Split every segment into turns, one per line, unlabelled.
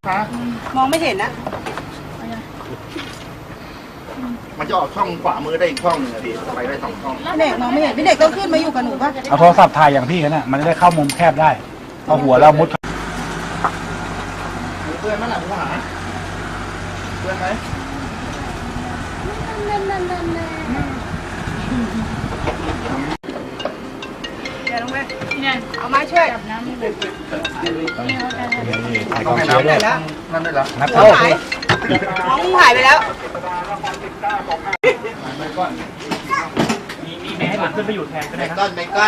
มองไม่เห็นนะ
มันจะออกช่องขวามือได้อีกช่องหนึ่งอะพี่ไปได้2 ช่อง
พี่เด็กมองไม่เห็นพี่เด็กต้องขึ้นมาอยู่กับหนูป่ะ
เอาโทรศัพท์ถ่ายอย่างพี่กันนะมันจะได้เข้ามุมแคบได้เอาหัวเรามุด
เพื่อนมั้ยล่ะผู้หาเพื่อนไหม
เดี๋ยวลงไปเนี่ยเอาไม้ช่วย
ถ่ายกองเชียร์ด้วย
นั่นได้แล้ว
นับ
น้องหายน้องหายไปแล้ว
มีแม่ให้ผมขึ้นไปอยู่แทนก็ได้ครับ
เบคอน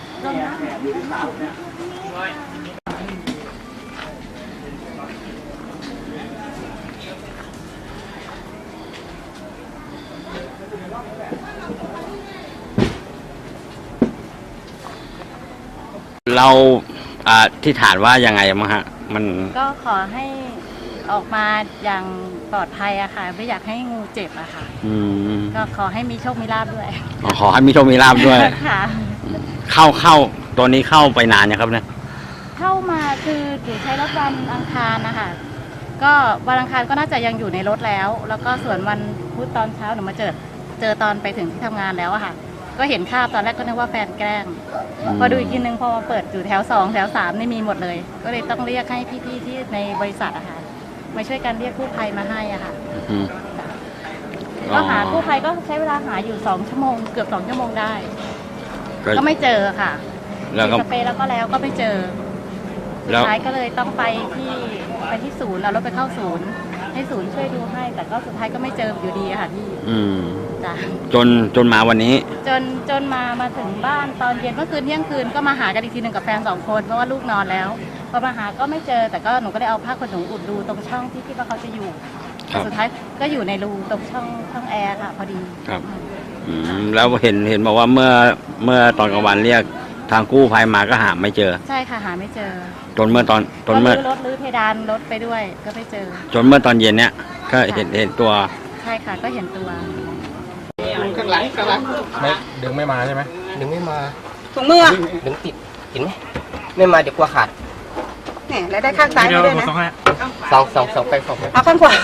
เราที่ฐานว่ายังไงมั้งฮะมัน
ก็ขอให้ออกมาอย่างปลอดภัยอะค่ะไม่อยากให้งูเจ็บอะค่ะก็ขอให้มีโชคมีลาภด้วย
ขอให้มีโชคมีลาภด้วย
ค่ะ
เข้าตัวนี้เข้าไปนานยังครับเนี่ย
เข้ามาคือหนูใช้รถวันอังคารนะคะก็วันอังคารก็น่าจะยังอยู่ในรถแล้วก็ส่วนวันพุธตอนเช้าหนูมาเจอตอนไปถึงที่ทำงานแล้วอะค่ะก็เห็นคราบตอนแรกก็นึกว่าแฟนแกล้งพอดูอีกทีนึงพอมาเปิดอยู่แถว2แถว3นี่มีหมดเลยก็เลยต้องเรียกให้พี่ๆที่ในบริษัทอะค่ะมาช่วยกันเรียกกู้ภัยมาให้อะค่ะก็หากู้ภัยก็ใช้เวลาหาอยู่2 ชั่วโมงเกือบ2 ชั่วโมงได้ก็ไม่เจอค่ะแล้วก็สเปรย์แล้วก็ไม่เจอสุดท้ายก็เลยต้องไปที่ศูนย์เอารถไปเข้าศูนย์ให้ศูนย์ช่วยดูให้แต่ก็สุดท้ายก็ไม่เจออยู่ดีค่ะพี่จ้ะ
จนมาวันนี้
จนมาถึงบ้านตอนเย็นเมื่อคืนเที่ยงคืนก็มาหากันอีกทีหนึ่งกับแฟน2 คนเพราะว่าลูกนอนแล้วพอมาหาก็ไม่เจอแต่ก็หนูก็ได้เอาผ้าขนหนูอุดรูตรงช่องที่คิดว่าเขาจะอยู่สุดท้ายก็อยู่ในรูตรงช่องแอร์ค่ะพอดี
ครับแล้วเห็นบอกว่าเมื่อตอนกลางวันเรียกทางกู้ภัยมาก็หาไม่เจอ
ใช่ค่ะหาไม่เจอ
จนเมื่อรถ
ลื้อเพดานรถไปด้วยก็ไม่เจอ
จนเมื่อตอนเย็นเนี้ยก็เห็นตัว
ใช่ค่ะก็เห็นตัว
ข้างหลัง
ไม่ดึงไม่มาใช่ไหม
ดึงไม่มา
ถุงมือ
ดึงติดเห็นไหมไม่มาเดี๋ยวกลัวขาด
เนี่ยแล้วได้ข้างซ้ายด้วยนะ
สองไป
เอาข้างขวา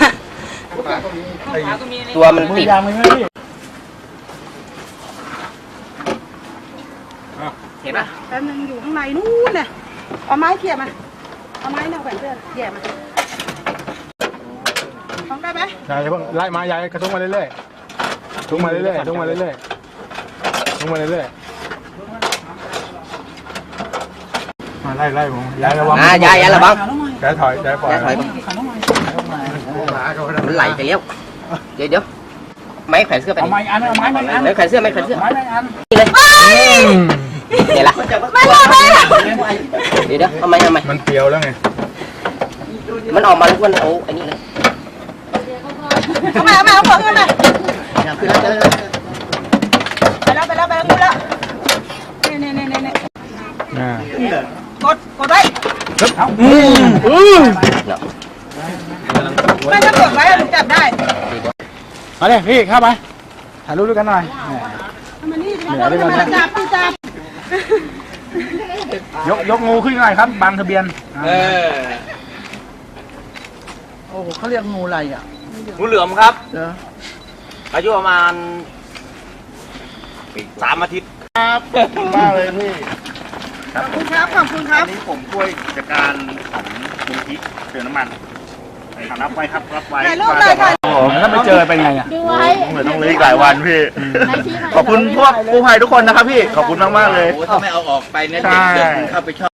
ตัวมันติดเห็นปะ
แป๊บนึงอยู่ข้างในนู่นน่ะเอาไม้เขี่ยมาเอาไม้เนี่ยแขวนเสื้อเขี่ยมาฟังได้ไหม
ยายเพิ่งไล่มายายกระทุ้งมาเรื่อยๆทุ้งมาเรื่อยๆทุ้งมาเรื่อยๆทุ้งมาเรื่อยๆมาไล่ผมยายระวัง
ยายระวัง
ยายถอยปล่อย
มันไหลไปแล้วเดี๋ยวไม้แขวนเสื้อไป
เอาไม้อัน
ไม้แขวนเสื้อนี่เลยเดี๋ยวละเดี๋ยวทำไม
มันเปรี้ยวแล้วไง
มันออกมาแล้วมันโอ้อันนี้เลย
เอาของขึ้นมา
ขึ้นแล้ว
ไปแล้วนี่กดไว้ไม่ถ้ากดไว้ถึงจับได้
มาเลยพี่เข้าไปถ่ายรูปด้วยกันหน่อย
มานี่จับ
ยกงูขึ้นหน่อยครับบังทะเบียน
โอ้โหเขาเรียกงูอะไรอ่ะ
งูเหลือมครับอายุประมาณ3 อาทิตย์
ครับมากเลยพี่
ขอบคุณครับ
อันนี้ผมช่วยกิจการของมูลนิธิเติมน้ำมันรับไว้ครับรับไว้
ถ่ายรูปเลยค่ะ
ถ้าไม่เจอเป็นไงอ่ะ
ดูไว้
เหมือนต้องเลยอีกหลายวันพี่ขอบคุณพวกกู้ภัยทุกคนนะครับพี่ขอบคุณมากๆเลย
ถ้าไม่เอาออกไปเนี่ยเด็กเข้าไปชอบ